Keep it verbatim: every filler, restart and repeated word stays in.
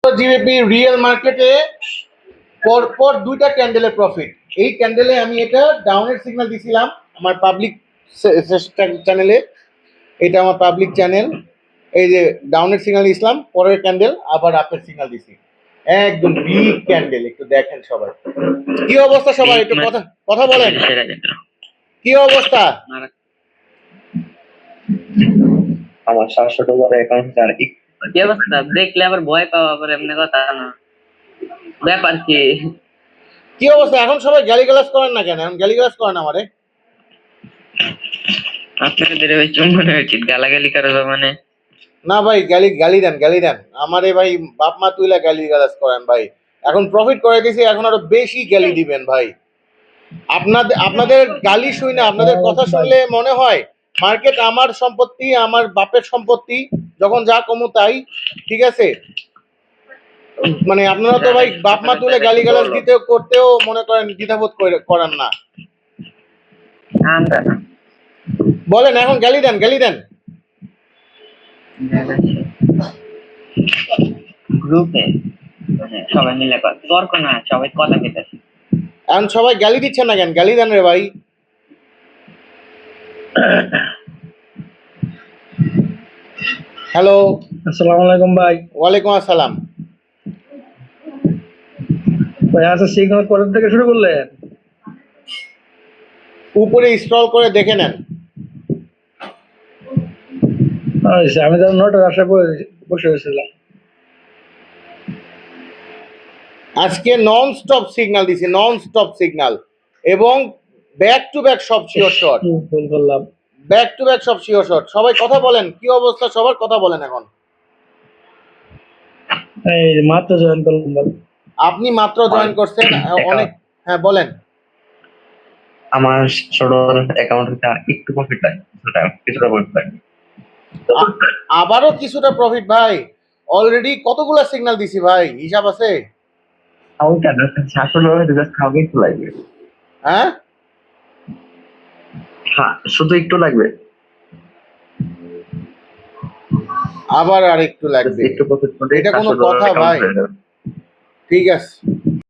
GBP real মার্কেটে পরপর দুইটা ক্যান্ডেলের প্রফিট। এই ক্যান্ডেলে আমি এটা ডাউনের সিগন্যাল দিছিলাম আমার পাবলিক চ্যানেলে, এটা আমার পাবলিক চ্যানেল। এই যে ডাউনের সিগন্যাল দিছিলাম, পরের ক্যান্ডেল আবার আপের সিগন্যাল দিছি, একদম বিগ ক্যান্ডেল। একটু দেখেন সবাই কি অবস্থা, সবাই একটু কথা কথা বলেন, কি অবস্থা? আমার সাতশো ডলার অ্যাকাউন্ট আর কি অবস্থা? দেখলে আবার ভয় পাওয়া, আবার এমনি কথা না, ব্যাপার কি? কি অবস্থা? এখন সবাই গালিগালাজ করেন না কেন? এখন গালিগালাজ করেন আমারে। আপনাদের ওই চুম্বনে উচিত গালাগালি করা মানে না ভাই, গালি গালি দেন, গালি দেন আমারে ভাই, বাপ মা তুইলা গালি গালাজ করেন ভাই। এখন প্রফিট করে দিয়েছি, এখন আরো বেশি গালি দিবেন ভাই। আপনাদের আপনাদের গালি শুনে, আপনাদের কথা শুনলে মনে হয় মার্কেট আমার সম্পত্তি, আমার বাপের সম্পত্তি, যখন যা কমু তাই, ঠিক আছে? মানে আপনারা তো ভাই বাপ মা তুলে গালি গালাজ দিতেও করতেও মনে করেন দ্বিধাবোধ করেন না। বলেন এখন গালি দেন, গালি দেন। গ্রুপে সবাই মিলে তর্ক না, সবাই কথা কেটেছে। এখন সবাই গালি দিচ্ছেন না কেন? গালি দেন রে ভাই। হ্যালো, আসসালামু আলাইকুম ভাই। ওয়ালাইকুম আসসালাম ভাই। আচ্ছা, সিগন্যাল কোথা থেকে শুরু করলেন? উপরে স্ক্রল করে দেখে নেন। আমি তো নটার আশা বসে হয়েছিলাম। আজকে নন স্টপ সিগন্যাল দিছি, নন স্টপ সিগন্যাল, এবং ব্যাক টু ব্যাক সব শিওর শট, ভুল করলাম। ব্যাক টু ব্যাক সব শিওর শট। সবাই কথা বলেন, কি অবস্থা সবার? কথা বলেন এখন। এই মাত্র জয়েন করলাম। আপনি মাত্র জয়েন করছেন, অনেক। হ্যাঁ বলেন। আমার ছোট অ্যাকাউন্টে একটু প্রফিট লাগে, কিছুটা কিছুটা প্রফিট লাগে। আবারও কিছুটা প্রফিট ভাই। অলরেডি কতগুলা সিগন্যাল দিছি ভাই, হিসাব আছে? সাতশো ডলার জাস্ট খাওয়া একটু লাগবে। হ্যাঁ, শুধু একটু লাগবে, আবার আর একটু লাগবে। একটু প্রফিট, এটা কোনো কথা ভাই? ঠিক আছে।